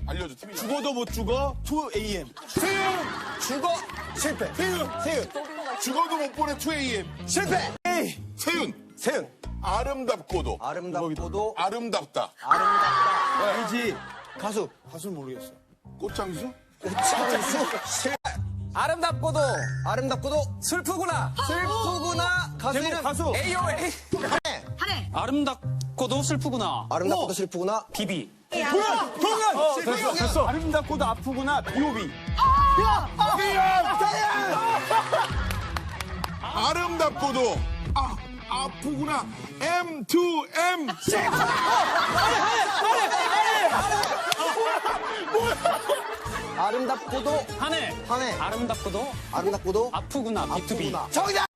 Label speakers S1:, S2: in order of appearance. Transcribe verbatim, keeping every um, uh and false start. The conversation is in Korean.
S1: 알려줘, 팀이.
S2: 죽어도 못 죽어 투 에이엠.
S1: 세윤!
S3: 죽어. 실패.
S1: 세윤!
S3: 세윤.
S1: 죽어도 못 보내 투 에이엠.
S3: 실패.
S2: 에이.
S1: 세윤!
S3: 세윤.
S1: 아름답고도.
S3: 아름답고도
S1: 아름답다.
S3: 아름답다.
S2: 아니지.
S3: 가수.
S2: 가수 모르겠어.
S1: 꽃장수?
S3: 장수. 실패.
S4: 아름답고도
S3: 아름답고도
S4: 슬프구나.
S3: 슬프구나. 가수
S2: 제목
S3: 이름.
S2: 가수.
S4: 에이오에이.
S3: 한해.
S4: 아름답고도 슬프구나.
S3: 아름답고도 슬프구나.
S4: 비비.
S2: 동현! 동현! 됐어, 됐어. 아름답고도 아프구나 비오비.
S1: 아름답고도 아, 아프구나. 엠 투 엠.
S3: 아름답고도
S4: 한해.
S3: 한해.
S4: 아름답고도
S3: 아름답고도
S4: 아프구나. 비투비.
S3: 아프구나. 정답.